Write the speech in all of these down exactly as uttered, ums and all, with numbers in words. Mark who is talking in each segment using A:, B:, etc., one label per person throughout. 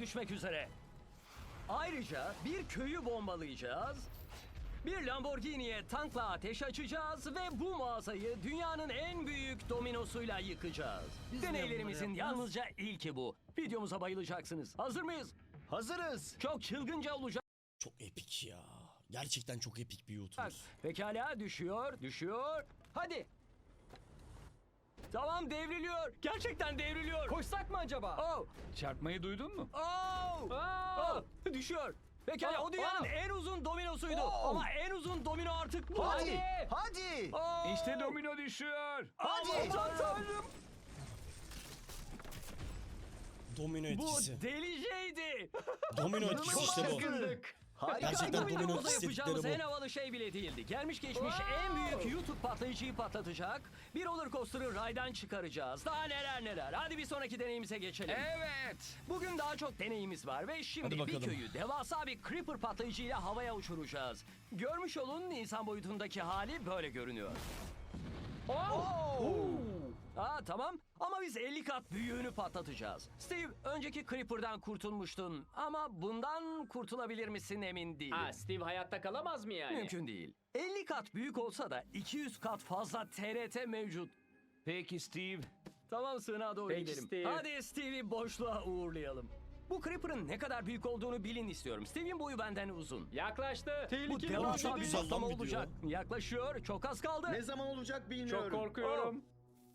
A: düşmek üzere. Ayrıca bir köyü bombalayacağız. Bir Lamborghini'ye tankla ateş açacağız ve bu mağazayı dünyanın en büyük dominosuyla yıkacağız.
B: Biz niye
A: Deneylerimizin
B: bunları yapmıyoruz?
A: yalnızca ilki bu. Videomuza bayılacaksınız. Hazır mıyız?
C: Hazırız.
A: Çok çılgınca olacak.
D: Çok epik ya. Gerçekten çok epik bir YouTuber.
A: Pekala, düşüyor, düşüyor. Hadi. Tamam, devriliyor. Gerçekten devriliyor.
B: Koşsak mı acaba?
A: Oh,
E: Çarpmayı duydun mu?
A: oh, oh. Düşüyor. Pekala,
B: Oh,
A: o dünyanın
B: oh.
A: en uzun dominosuydu.
C: Oh.
A: Ama en uzun domino artık bu.
C: Hadi. Hadi.
A: Oh.
E: İşte domino düşüyor.
C: Hadi.
A: Aman tanrım.
D: Domino
A: Bu
D: etkisi.
A: deliceydi.
D: Domino etkisi işte bu.
C: Çılgınlık. Harika.
D: Gerçekten
A: Bu
D: domino
A: videomuzda
D: etkisi
A: yapacağımız
D: dedikleri
A: en
D: bu.
A: havalı şey bile değildi. Gelmiş geçmiş en büyük YouTube patlayıcıyı patlatacak. Bir roller coaster'ı raydan çıkaracağız. Daha neler neler. Hadi bir sonraki deneyimize geçelim.
E: Evet.
A: Bugün daha çok deneyimiz var ve şimdi
D: Hadi
A: bir
D: bakalım.
A: köyü devasa bir creeper patlayıcıyla havaya uçuracağız. Görmüş olun, insan boyutundaki hali böyle görünüyor.
C: Oo.
A: Aa tamam, ama biz elli kat büyüğünü patlatacağız. Steve, önceki creeper'dan kurtulmuştun ama bundan kurtulabilir misin emin değilim.
B: Ha, Steve hayatta kalamaz mı yani?
A: Mümkün değil. elli kat büyük olsa da iki yüz kat fazla T R T mevcut.
E: Peki Steve.
A: Tamam, sığınağa doğru
B: Peki
A: gidelim.
B: Steve.
A: Hadi Steve'i boşluğa uğurlayalım. Bu Creeper'ın ne kadar büyük olduğunu bilin istiyorum. Steve'in boyu benden uzun.
B: Yaklaştı.
A: Bu
B: Tehlikeli.
A: devasa
D: çok
A: bir
D: güzel lan
A: patlama
D: video.
A: olacak. Yaklaşıyor, çok az kaldı.
C: Ne zaman olacak bilmiyorum.
B: Çok korkuyorum.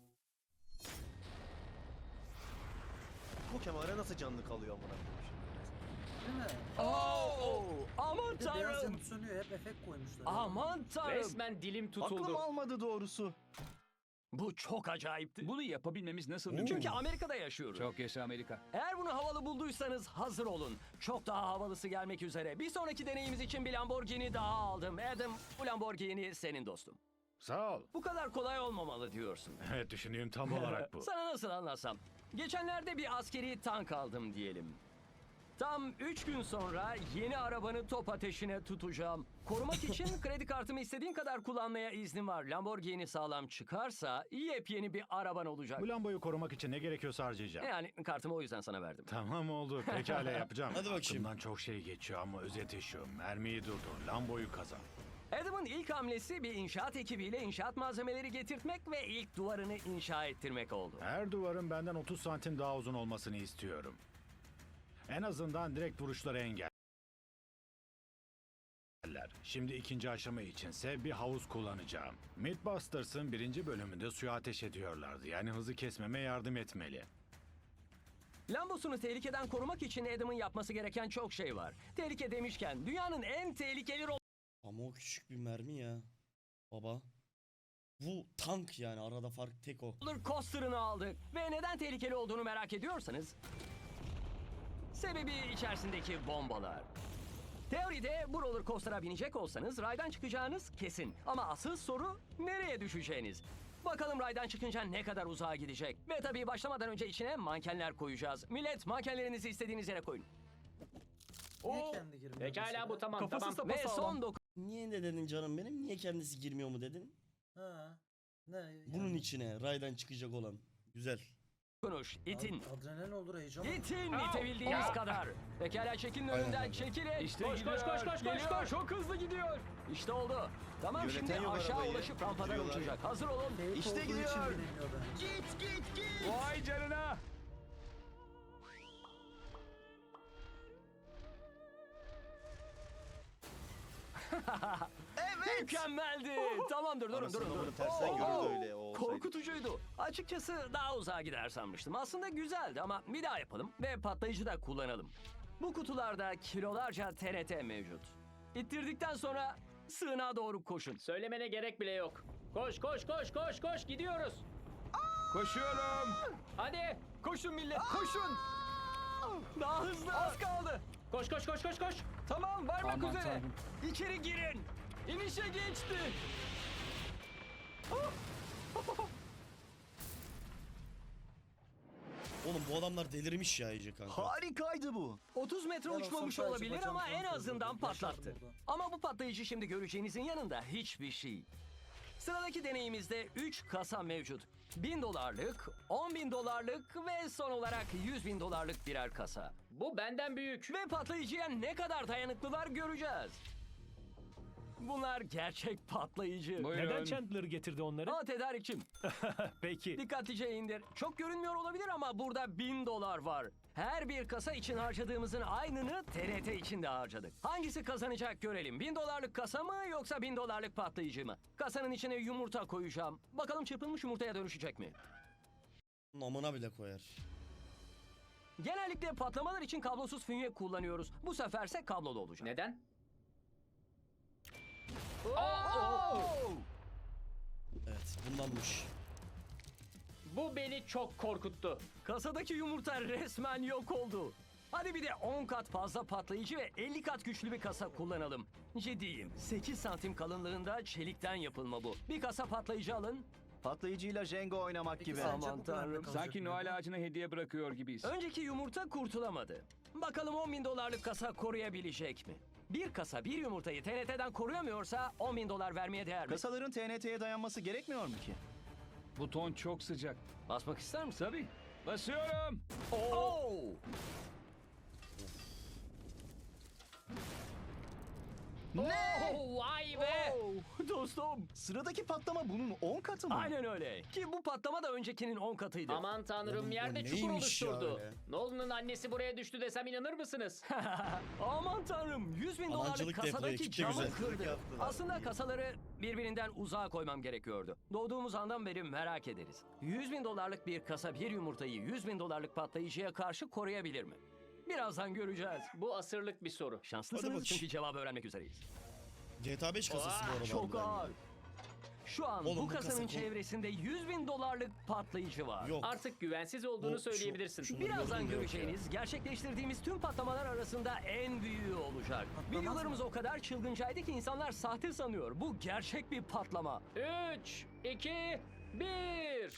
C: Bu kamera nasıl canlı kalıyor amına koyayım şimdi?
F: Değil mi?
A: Oo, aman
F: Bir de beyaz
A: tanrım.
F: yanıp sönüyor. Hep efekt koymuşlar.
A: Aman tanrım.
B: Resmen dilim tutuldu.
C: Aklım almadı doğrusu.
A: Bu çok acayipti.
E: Bunu yapabilmemiz nasıl
D: Oo.
E: mümkün?
A: Çünkü Amerika'da yaşıyoruz.
E: Çok yaşa Amerika.
A: Eğer bunu havalı bulduysanız hazır olun. Çok daha havalısı gelmek üzere. Bir sonraki deneyimiz için bir Lamborghini daha aldım. Adam, bu Lamborghini senin dostum.
G: Sağ ol.
A: Bu kadar kolay olmamalı diyorsun.
G: Evet, düşündüğüm tam olarak bu.
A: Sana nasıl anlatsam? Geçenlerde bir askeri tank aldım diyelim. Tam üç gün sonra yeni arabanı top ateşine tutacağım. Korumak için kredi kartımı istediğin kadar kullanmaya iznim var. Lamborghini sağlam çıkarsa yepyeni bir araban olacak.
G: Bu lambayı korumak için ne gerekiyorsa harcayacağım.
A: Yani kartımı o yüzden sana verdim.
G: Tamam oldu. Pekala yapacağım.
D: Hadi bakayım.
G: Aklımdan çok şey geçiyor ama özeti şu. Mermiyi durdur. Lamboyu kazan.
A: Adam'ın ilk hamlesi bir inşaat ekibiyle inşaat malzemeleri getirtmek ve ilk duvarını inşa ettirmek oldu.
G: Her duvarın benden otuz santim daha uzun olmasını istiyorum. En azından direkt vuruşları engeller. Şimdi ikinci aşama içinse bir havuz kullanacağım. Mythbusters'ın birinci bölümünde suya ateş ediyorlardı. Yani hızı kesmeme yardım etmeli.
A: Lambosunu tehlikeden korumak için Adam'ın yapması gereken çok şey var. Tehlike demişken dünyanın en tehlikeli
D: Ama o küçük bir mermi ya. Baba. Bu tank yani, arada fark tek o.
A: roller coaster'ını aldık. Ve neden tehlikeli olduğunu merak ediyorsanız... Sebebi içerisindeki bombalar. Teoride bu roller coaster'a binecek olsanız raydan çıkacağınız kesin. Ama asıl soru nereye düşeceğiniz. Bakalım raydan çıkınca ne kadar uzağa gidecek. Ve tabii başlamadan önce içine mankenler koyacağız. Millet, mankenlerinizi istediğiniz yere koyun.
F: Niye
A: Oo,
F: kendi girmiyor
B: Pekala
F: mesela?
B: bu tamam
A: Kafası
B: tamam.
A: ve son
D: Niye ne dedin canım benim? Niye kendisi girmiyor mu dedin?
F: Ha. Ne?
D: Bunun
F: yani?
D: içine raydan çıkacak olan. Güzel.
A: dokunuş. İtin.
F: Ad- Adrenalin olur, heyecan olur.
A: İtin
B: Au,
A: itebildiğiniz
B: au.
A: kadar. Pekala, çekilin
D: Aynen
A: önünden,
D: öyle.
A: çekilin.
E: İşte
B: Koş koş koş koş koş
A: Geliyor.
B: koş. Çok hızlı gidiyor.
A: İşte oldu. Tamam,
C: Yöneten
A: şimdi
C: yok
A: aşağı
C: arabayı,
A: ulaşıp rampadan
C: bitiriyorlar.
A: uçacak. Hazır olun.
F: Fake
C: İşte
F: olduğu için
C: gidiyor.
F: binemiyor bence.
C: Git git git.
E: Vay canına.
C: Evet.
A: Mükemmeldi. Tamamdır, durun
C: Anasını
A: durun
C: avradı,
A: durun.
C: tersten
A: Oo,
C: görüldü
A: oo.
C: öyle, o olsaydı.
A: Korkutucuydu. Açıkçası daha uzağa gider sanmıştım. Aslında güzeldi ama bir daha yapalım ve patlayıcı da kullanalım. Bu kutularda kilolarca T R T mevcut. İttirdikten sonra sığınağa doğru koşun.
B: Söylemene gerek bile yok. Koş koş koş koş koş gidiyoruz.
E: Koşuyorum.
B: Hadi.
A: Koşun millet, koşun. Daha hızlı. Az kaldı.
B: Koş koş koş koş koş.
A: Tamam, varmak
E: Aman
A: üzere.
E: tanrım.
A: İçeri girin. İnişe geçti.
D: Oğlum bu adamlar delirmiş ya iyice kanka.
C: Harikaydı bu.
A: otuz metre
F: Ben olsam
A: uçmamış
F: sadece
A: olabilir
F: bacağımı
A: ama en
F: falan
A: azından
F: kırdım. Yaşardım
A: patlattı.
F: orada.
A: Ama bu patlayıcı şimdi göreceğinizin yanında hiçbir şey. Sıradaki deneyimizde üç kasa mevcut. bin dolarlık, on bin dolarlık ve son olarak yüz bin dolarlık birer kasa.
B: Bu benden büyük.
A: Ve patlayıcıya ne kadar dayanıklılar göreceğiz. Bunlar gerçek patlayıcı.
E: Buyurun.
H: Neden Chandler getirdi onları?
A: Aa, tedarikçim.
H: Peki.
A: Dikkatlice indir. Çok görünmüyor olabilir ama burada bin dolar var. Her bir kasa için harcadığımızın aynını T N T için de harcadık. Hangisi kazanacak görelim. Bin dolarlık kasa mı yoksa bin dolarlık patlayıcı mı? Kasanın içine yumurta koyacağım. Bakalım çırpılmış yumurtaya dönüşecek mi?
D: Namına bile koyar.
A: Genellikle patlamalar için kablosuz fünye kullanıyoruz. Bu seferse kablolu olacak.
B: Neden?
D: Evet bundanmış.
B: Bu beni çok korkuttu.
A: Kasadaki yumurta resmen yok oldu. Hadi bir de on kat fazla patlayıcı ve elli kat güçlü bir kasa kullanalım. Ciddiyim. sekiz santim kalınlığında çelikten yapılma bu. Bir kasa patlayıcı alın.
C: Patlayıcıyla Jenga oynamak
F: Peki
C: gibi.
F: sence
A: Aman
F: bu plan ne
A: tanrım.
F: kalacak
E: Sanki
F: mı?
E: Noel ağacına hediye bırakıyor gibiyiz.
A: Önceki yumurta kurtulamadı. Bakalım on bin dolarlık kasa koruyabilecek mi? Bir kasa bir yumurtayı T N T'den koruyamıyorsa on bin dolar vermeye değer mi?
C: Kasaların T N T'ye dayanması gerekmiyor mu ki?
E: Buton çok sıcak.
A: Basmak ister misin?
E: Tabii. Basıyorum.
A: Oo!
B: Oh, vay be.
A: Oo! Dostum.
C: Sıradaki patlama bunun on katı mı?
A: Aynen öyle. Ki bu patlama da öncekinin on katıydı.
B: Aman tanrım,
D: Oğlum,
B: yerde
D: o
B: çukur
D: neymiş ya
B: oluşturdu.
D: öyle?
B: Nolan'ın annesi buraya düştü desem inanır mısınız?
A: Aman tanrım, yüz bin dolarlık
D: Anancılık da yapıyor,
A: kasadaki
D: ekipçe
A: camı
D: güzel.
A: kırdı.
C: Yaptılar.
A: Aslında kasaları birbirinden uzağa koymam gerekiyordu. Doğduğumuz andan beri merak ederiz. yüz bin dolarlık bir kasa bir yumurtayı yüz bin dolarlık patlayıcıya karşı koruyabilir mi? Birazdan göreceğiz.
B: Bu asırlık bir soru.
D: Hadi
A: Şanslısınız
D: bakayım.
A: çünkü cevabı öğrenmek üzereyiz.
D: G T A beş kasası bu arada.
A: Çok
D: harbiden
A: ağır.
D: ya.
A: Şu an
D: Oğlum,
A: bu
D: bu kasa
A: kasanın
D: kol-
A: çevresinde yüz bin dolarlık patlayıcı var.
D: Yok.
B: Artık güvensiz olduğunu
D: O, şu-
B: söyleyebilirsin.
D: şu-
A: Birazdan
D: Yok ya.
A: göreceğiniz gerçekleştirdiğimiz tüm patlamalar arasında en büyüğü olacak.
F: Patlamaz
A: Videolarımız
F: mı?
A: o kadar çılgıncaydı ki insanlar sahte sanıyor. Bu gerçek bir patlama.
B: üç, iki, bir.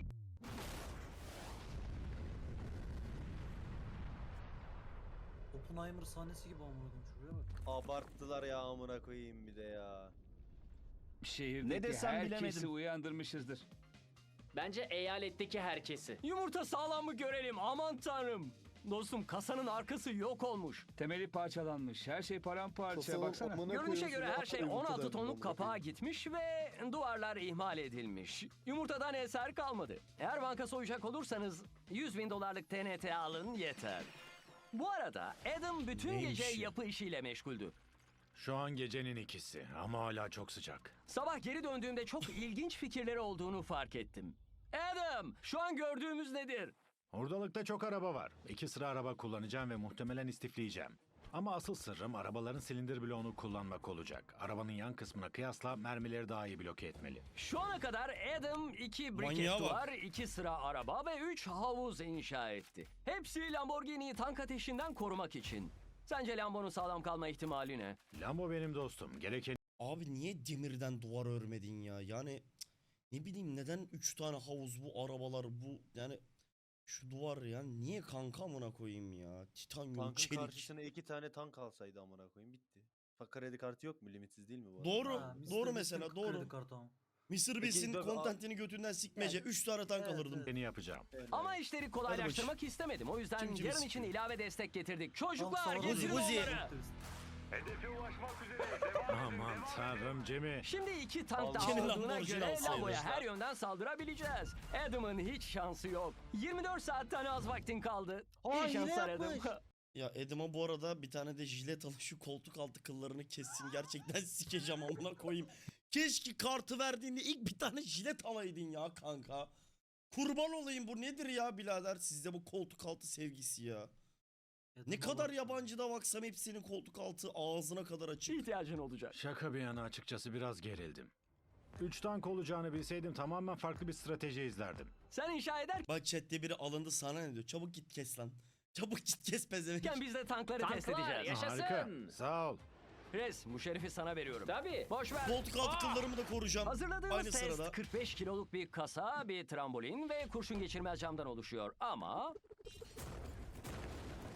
F: Oppenheimer sahnesi gibi amına koyayım şuraya bak.
C: Abarttılar ya amına koyayım bir de ya.
E: Şehirdeki
C: Ne desem
E: herkesi
C: bilemedim.
E: uyandırmışızdır.
B: Bence eyaletteki herkesi.
A: Yumurta sağlam mı görelim, aman tanrım. Dostum, kasanın arkası yok olmuş.
E: Temeli parçalanmış. Her şey paramparça. Baksana.
A: Görünüşe göre her şey on altı tonluk kapağa gitmiş ve duvarlar ihmal edilmiş. Yumurtadan eser kalmadı. Eğer banka soyacak olursanız yüz bin dolarlık T N T alın yeter. Bu arada Adam bütün
D: Neymiş
A: gece
D: ya?
A: yapı işiyle meşguldü.
G: Şu an gecenin ikisi ama hala çok sıcak.
A: Sabah geri döndüğümde çok ilginç fikirleri olduğunu fark ettim. Adam, şu an gördüğümüz nedir?
G: Ordalıkta çok araba var. İki sıra araba kullanacağım ve muhtemelen istifleyeceğim. Ama asıl sırrım arabaların silindir bloğunu kullanmak olacak. Arabanın yan kısmına kıyasla mermileri daha iyi bloke etmeli.
A: Şu ana kadar Adam iki
D: Manyağa
A: briket
D: bak.
A: duvar, iki sıra araba ve üç havuz inşa etti. Hepsi Lamborghini'yi tank ateşinden korumak için. Sence Lambo'nun sağlam kalma ihtimali ne?
G: Lambo benim dostum. Gereken
D: Abi niye demirden duvar örmedin ya? Yani cık, ne bileyim neden üç tane havuz bu arabalar bu yani şu duvar ya niye kanka amına koyayım ya? Titanyum
C: Tankın
D: çelik.
C: karşısına iki tane tank alsaydı amına koyayım bitti. Bak kredi kartı yok mu? Limitsiz değil mi bu? arada?
D: Doğru.
F: Ha, mister
D: doğru
F: Beast'in
D: mesela
F: kredi
D: doğru.
F: kartı ama.
D: mister Beast'in
C: tabii,
D: kontentini götünden sikmece. üç tane tank
F: Evet,
D: alırdım.
F: evet.
G: beni yapacağım.
C: Evet.
A: Ama işleri kolaylaştırmak istemedim. O yüzden
D: Kim kimi
A: yarın için
D: sıkıyor?
A: ilave destek getirdik.
F: Tank
A: Çocuklar
F: sağlam
A: getirin
D: Uzi, Uzi.
A: onları.
G: Aman tanrım Cem'i.
A: Şimdi iki tank daha
D: Kendi
A: olduğuna
D: Lamborghini
A: göre
D: alsaydı.
A: Lambo'ya her yönden saldırabileceğiz. Adam'ın hiç şansı yok. yirmi dört saatten az vaktin kaldı.
F: Aa,
A: İyi
F: yine
A: şanslar Adam.
F: yapmış.
D: Ya Edim'a bu arada bir tane de jilet alın şu koltuk altı kıllarını kessin. Gerçekten sikeceğim amına koyayım. Keşke kartı verdiğinde ilk bir tane jilet alaydın ya kanka. Kurban olayım bu nedir ya birader sizde bu koltuk altı sevgisi ya. Ne
F: Adam'a
D: kadar
F: bak.
D: yabancıda baksam hepsinin koltuk altı ağzına kadar açık.
A: İhtiyacın olacak.
G: Şaka bir yana açıkçası biraz gerildim. Üç tank olacağını bilseydim tamamen farklı bir strateji izlerdim.
A: Sen inşa ederken
D: Bak chatte biri alındı sana ne diyor? Çabuk git kes lan. Çabuk git kes pezevenk.
A: biz de tankları test
B: Tanklar,
A: edeceğiz.
B: yaşasın.
G: Harika. Sağ ol.
A: Res, bu şerifi sana veriyorum.
B: Tabii.
A: Boş ver.
D: Koltuk altı kıllarımı da koruyacağım.
A: Hazırladığımız
D: Aynı
A: test
D: sırada.
A: kırk beş kiloluk bir kasa, bir trambolin ve kurşun geçirmez camdan oluşuyor. Ama...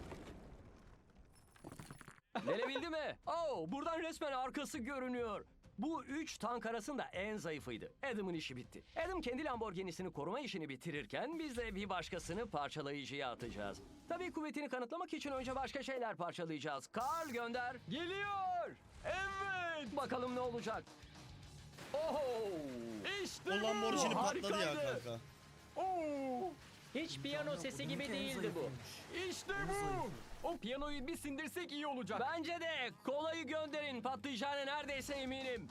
A: Delebildi mi? Oh, buradan resmen arkası görünüyor. Bu üç tank arasında en zayıfıydı. Adam'ın işi bitti. Adam kendi Lamborghini'sini koruma işini bitirirken biz de bir başkasını parçalayıcıya atacağız. Tabii kuvvetini kanıtlamak için önce başka şeyler parçalayacağız. Karl gönder.
B: Geliyor. Evet.
A: Bakalım ne olacak.
B: Oho. İşte
D: O Lamborghini
B: bu.
D: patladı ya
B: Harikaydı.
D: kanka.
B: Oo. Hiç piyano
F: Kanka,
B: sesi
F: bununki
B: gibi
F: en
B: değildi bu.
F: zayıfıymış.
B: İşte
F: En
B: bu.
F: zayıfı.
B: O piyanoyu bir sindirsek iyi olacak.
A: Bence de kolayı gönderin. Patlayacağına neredeyse eminim.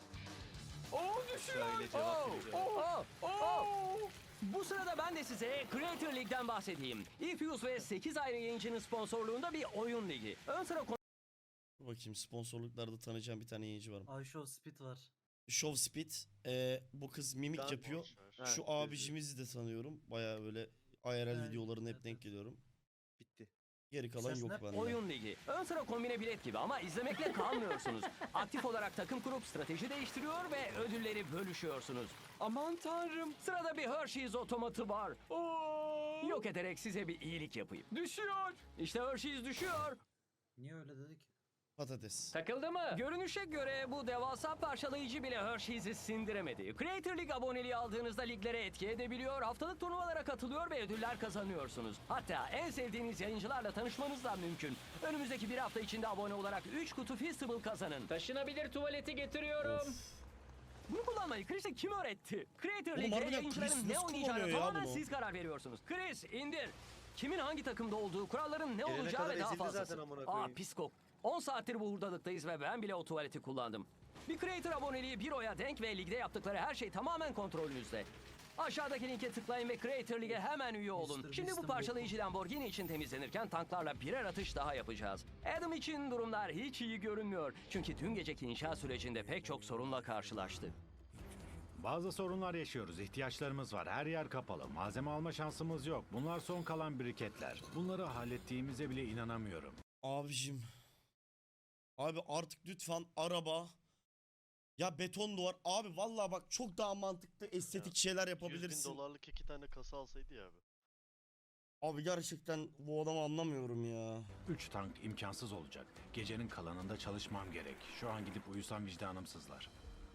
B: Oo düşüyor.
C: Şöyle cevap
B: Oo,
C: vereceğim.
A: Oh,
B: oo,
A: oh.
B: oo.
A: Bu sırada ben de size Creator League'den bahsedeyim. Ifuse ve sekiz ayrı yayıncının sponsorluğunda bir oyun ligi. Ön sıra
D: Dur bakayım, sponsorluklarda tanıyacağım bir tane yayıncı var.
F: Ayşo Speed var.
D: Show Speed. Ee, bu kız mimik
C: Daha
D: yapıyor.
C: boş ver.
D: Şu
C: Ha,
D: abicimizi de tanıyorum. Baya böyle I R L
F: Evet,
D: videolarına hep
F: evet,
D: denk
F: evet.
D: geliyorum.
C: Bitti.
D: Geri kalan
F: Ses
D: yok
F: ne?
D: bende.
A: oyun ligi. Ön sıra kombine bilet gibi ama izlemekle kalmıyorsunuz. Aktif olarak takım kurup strateji değiştiriyor ve ödülleri bölüşüyorsunuz.
B: Aman tanrım.
A: Sırada bir Hershey's otomatı var.
B: Oo.
A: Yok ederek size bir iyilik yapayım.
B: Düşüyor.
A: İşte Hershey's düşüyor.
F: Niye öyle dedik?
D: Patates.
B: Takıldı mı?
A: Görünüşe göre bu devasa parçalayıcı bile Hershey's'i sindiremedi. Creator League aboneliği aldığınızda liglere etki edebiliyor, haftalık turnuvalara katılıyor ve ödüller kazanıyorsunuz. Hatta en sevdiğiniz yayıncılarla tanışmanız da mümkün. Önümüzdeki bir hafta içinde abone olarak üç kutu Feastable kazanın.
B: Taşınabilir tuvaleti getiriyorum.
A: Bunu kullanmayı Chris'e kim öğretti? Creator
D: Oğlum
A: League'e
D: harbiden
A: yayıncıların
D: Chris
A: ne
D: nasıl
A: oynayacağına
D: kullanıyor ya
A: tamamen
D: bunu?
A: siz karar veriyorsunuz. Chris indir. Kimin hangi takımda olduğu, kuralların ne
C: Gelene
A: olacağı
C: kadar
A: ve daha
C: ezildi
A: fazlası.
C: zaten amına
A: Aa
C: koyayım.
A: pis kok. on saattir bu hurdalıktayız ve ben bile o tuvaleti kullandım. Bir Creator aboneliği bir oya denk ve ligde yaptıkları her şey tamamen kontrolünüzde. Aşağıdaki linke tıklayın ve Creator League'e hemen üye olun.
F: Mister
A: Şimdi bu
F: Beast'in
A: parçalayıcı Lamborghini için temizlenirken tanklarla birer atış daha yapacağız. Adam için durumlar hiç iyi görünmüyor. Çünkü dün geceki inşaat sürecinde pek çok sorunla karşılaştı.
G: Bazı sorunlar yaşıyoruz. İhtiyaçlarımız var. Her yer kapalı. Malzeme alma şansımız yok. Bunlar son kalan briketler. Bunları hallettiğimize bile inanamıyorum.
D: Abicim. Abi artık lütfen araba. Ya beton duvar. Abi vallahi bak çok daha mantıklı estetik şeyler
I: yüz bin
D: yapabilirsin.
I: dolarlık iki tane kasa alsaydı ya abi.
D: Abi gerçekten bu adamı anlamıyorum ya.
G: Üç tank imkansız olacak. Gecenin kalanında çalışmam gerek. Şu an gidip uyusam vicdanım sızlar.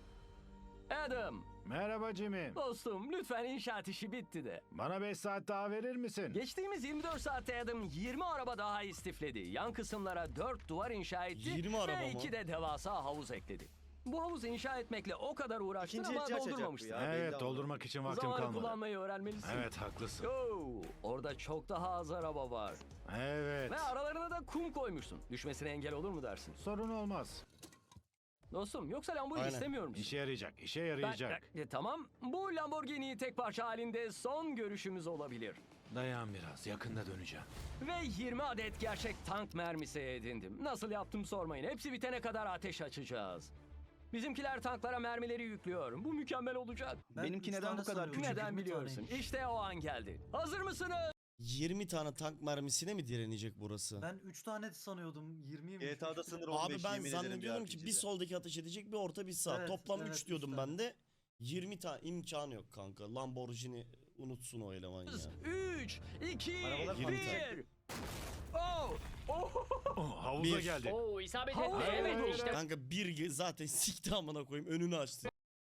A: Adam,
G: Merhaba Jimmy.
A: dostum lütfen inşaat işi bitti de.
G: Bana beş saat daha verir misin?
A: Geçtiğimiz yirmi dört saatte Adam yirmi araba daha istifledi. Yan kısımlara dört duvar inşa etti
D: yirmi araba
A: ve
D: mı?
A: iki de devasa havuz ekledi. Bu havuzu inşa etmekle o kadar uğraştın
C: İkinci
A: ama
C: ihtiyaç açacak bu
A: doldurmamıştın.
C: ya. belli
G: Evet,
C: ama.
G: doldurmak için vaktim
A: Zamanı
G: kalmadı.
A: kullanmayı öğrenmelisin.
G: Evet, haklısın.
A: Oo, orada çok daha az araba var.
G: Evet.
A: Ve aralarına da kum koymuşsun. Düşmesine engel olur mu dersin?
G: Sorun olmaz.
A: Dostum yoksa Lamborghini
D: Aynen.
A: istemiyor musun?
G: İşe yarayacak, işe
A: Ben-
G: yarayacak.
A: e, tamam. Bu Lamborghini tek parça halinde son görüşümüz olabilir.
G: Dayan biraz, yakında döneceğim.
A: Ve yirmi adet gerçek tank mermisi edindim. Nasıl yaptım sormayın. Hepsi bitene kadar ateş açacağız. Bizimkiler tanklara mermileri yüklüyor. Bu mükemmel olacak.
F: Ben
E: Benimki
F: üç
E: neden
F: tane
E: bu kadar
F: sanıyordum,
E: küçük?
A: Neden
F: yirmi
A: biliyorsun?
F: taneymiş.
A: İşte o an geldi. Hazır mısınız?
D: yirmi tane tank mermisine mi direnecek burası?
F: Ben üç tane sanıyordum. yirmiymiş.
C: G T A'da sınır on beş
D: Abi ben
C: yemin ederim
D: zannediyorum ki
C: R P G'de.
D: bir soldaki ateş edecek, bir orta, bir sağ.
F: Evet,
D: Toplam
F: evet,
D: üç
F: üç
D: diyordum
F: tane.
D: ben de. yirmi tane imkanı yok kanka. Lamborghini unutsun o eleman ya.
A: üç, iki,
C: Arabalar
A: bir. Oh! Oh!
G: Oh, havuza
D: Bir.
G: geldi.
B: Oo isabet
A: Havuz
B: etti. Evet
A: oldu.
B: işte.
D: Kanka bir ge- zaten sikti amına koyayım, önünü açtı.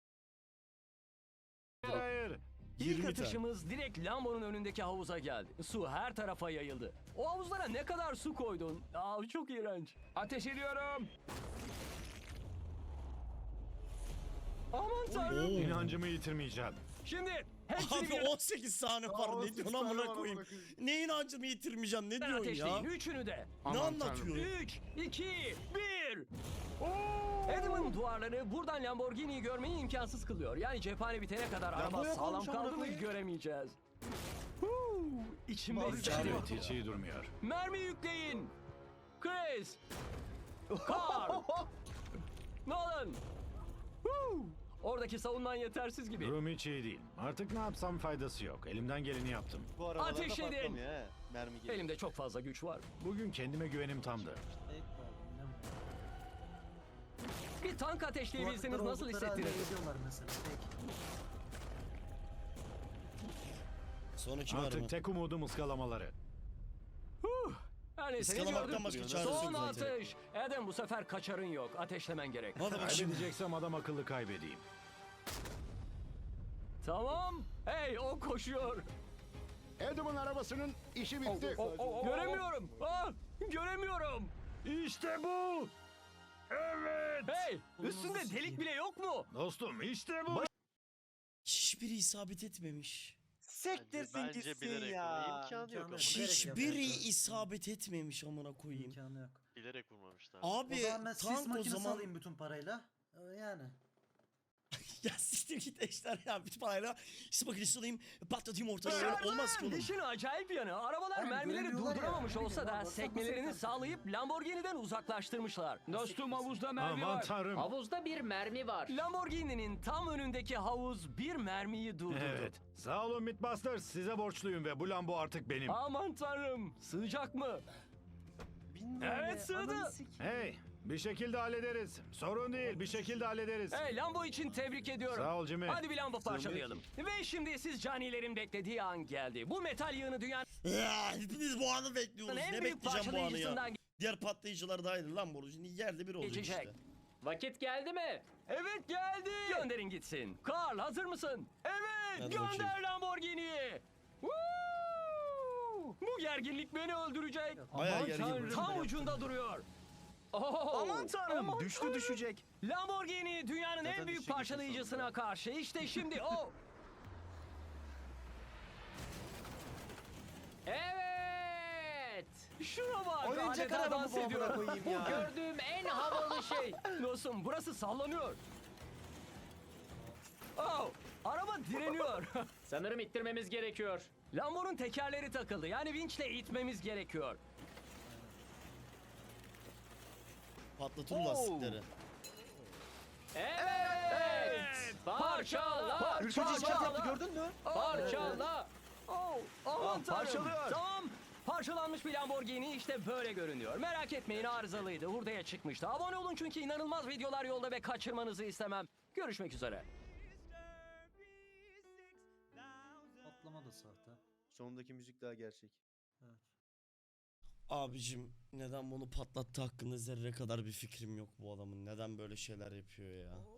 G: Hayır.
A: İlk
D: yirmi tane.
A: atışımız direkt Lambo'nun önündeki havuza geldi. Su her tarafa yayıldı. O havuzlara ne kadar su koydun? Aa, çok iğrenç.
E: Ateş ediyorum.
A: Aman tanrım.
D: Oo.
G: İnancımı yitirmeyeceğim.
A: Şimdi hepsini
D: Abi
A: bir
D: on sekiz saniye var, ne diyorsun amına koyayım? Neyin ancını yitirmeyeceğim, ne diyorsun
A: ateşleyin.
D: ya?
A: Üçünü de.
D: Ne
E: Aman
D: anlatıyor?
A: Üç, iki, bir. Adam'ın duvarları buradan Lamborghini'yi görmeyi imkansız kılıyor. Yani cephane bitene kadar araba
C: Lambo
A: sağlam
C: yapalım şu amına
A: kaldı mı
C: koyayım.
A: göremeyeceğiz. Huu, içimde
F: Abi,
A: hissediyorum.
G: Evet, hiç iyi durmuyor.
A: Mermi yükleyin. Chris. Carl. Nolan. Huu, oradaki savunman yetersiz gibi.
G: Durum hiç iyi değil. Artık ne yapsam faydası yok. Elimden geleni yaptım.
C: Bu arabalarda
A: Ateş edin.
C: patlamıyor he. Mermi geliyor.
A: Elimde çok fazla güç var.
G: Bugün kendime güvenim tamdı.
F: Fake var, bilmem.
A: Bir tank ateşleyebilseniz
F: Kulaklıkları
A: nasıl
F: oldukları halde
A: hissettiniz?
F: ediyorlar mesela. Fake.
D: Sonraki mermi.
G: Artık tek umudum ıskalamaları.
A: Her neyse ne
D: Iskalamaktan
A: diyorduk?
D: başka çaresi yok
A: Son
D: zaten.
A: atış. Adam bu sefer kaçarın yok. Ateşlemen gerek.
D: Hadi bak şimdi.
G: Kaybedeceksem adam akıllı kaybedeyim.
A: Tamam. Hey o koşuyor.
J: Adam'ın arabasının işi bitti.
A: Göremiyorum. Ah, göremiyorum.
G: İşte bu. Evet.
A: Hey
F: Bunu
A: üstünde
F: nasıl
A: delik
F: sikeyim?
A: bile yok mu?
G: Dostum işte bu.
D: Hiçbiri isabet etmemiş.
I: Bence, bence bilerek vurmuş. İmkanı yok ama.
F: İmkanı yok.
D: Hiçbiri isabet etmemiş amına koyayım.
F: İmkanı yok.
I: Bilerek vurmamışlar.
D: Abi
F: O zaman ben sis
D: tank o
F: makinesi
D: zaman
F: alayım bütün parayla. Ee, Yani.
D: ya siktir git eşler ya bütün parayla sis makinesi alayım patlatayım ortaya öyle olmaz ki oğlum.
A: İşin acayip yanı arabalar
F: Aynen,
A: mermileri
F: göremiyorlar ya.
A: durduramamış
F: Ne
A: olsa
F: bileyim
A: da
F: lan, baksana
A: sekmelerini
F: nasıl
A: sağlayıp Lamborghini'den uzaklaştırmışlar.
E: Dostum havuzda mermi
G: Aman
E: var.
G: tanrım.
B: Havuzda bir mermi var.
A: Lamborghini'nin tam önündeki havuz bir mermiyi durdurdu.
G: Evet. Sağ olun Mythbusters. Size borçluyum ve bu Lambo artık benim.
A: Aman tanrım sığacak mı?
C: Bilmiyorum
A: Evet,
C: ya,
A: sığdı.
C: ananı sik-
G: Hey, bir şekilde hallederiz. Sorun değil, bir şekilde hallederiz.
A: Hey Lambo için tebrik ediyorum.
G: Sağ ol Jimmy.
A: Hadi bir Lambo parçalayalım. Ve şimdi siz canilerin beklediği an geldi. Bu metal yığını dünyanın
D: Ya hepiniz bu anı bekliyorsunuz.
A: en
D: Ne
A: büyük
D: bekleyeceğim bu anı ya.
A: parçalayıcısından
D: Diğer patlayıcılar dahil lan boru. Şimdi yerde bir olacak
A: geçecek.
D: işte.
B: Vakit geldi mi?
A: Evet geldi. Gönderin gitsin. Karl hazır mısın? Evet
D: Hadi
A: gönder
D: bakayım.
A: Lamborghini'yi. Woo! Bu gerginlik beni öldürecek.
D: Bayağı
A: Aman
D: gergin.
A: tanrım, tam ucunda duruyor.
B: Oo.
A: Aman tanrım
C: Aman
A: düştü
C: tanrım.
A: düşecek. Lamborghini dünyanın en
C: Zaten
A: büyük
C: düşecek
A: parçalayıcısına
C: sonunda.
A: karşı. İşte şimdi o.
B: Evet.
A: Şuna bak.
C: Oyuncak
A: adeta
C: araba
A: dans
C: bu amına
A: ediyor.
C: koyayım
B: Bu
C: ya.
B: gördüğüm en havalı şey.
A: Dostum burası sallanıyor. Oh, araba direniyor.
B: Sanırım ittirmemiz gerekiyor.
A: Lambo'nun tekerleri takıldı. Yani vinçle itmemiz gerekiyor.
D: Patlatın
A: Oo.
D: lastikleri.
B: Evet. Parçala.
C: Ürkücü işaret yaptı gördün mü?
B: Parçala.
A: Oh, aman
C: Ah,
A: tanrım.
C: parçalıyor.
A: Tamam. Parçalanmış bir Lamborghini işte böyle görünüyor. Merak etmeyin arızalıydı. Hurdaya çıkmıştı. Abone olun çünkü inanılmaz videolar yolda ve kaçırmanızı istemem. Görüşmek üzere.
F: Patlama da sahte.
C: Sonundaki müzik daha gerçek.
F: Evet.
D: Abicim neden bunu patlattı hakkında zerre kadar bir fikrim yok bu adamın. Neden böyle şeyler yapıyor ya.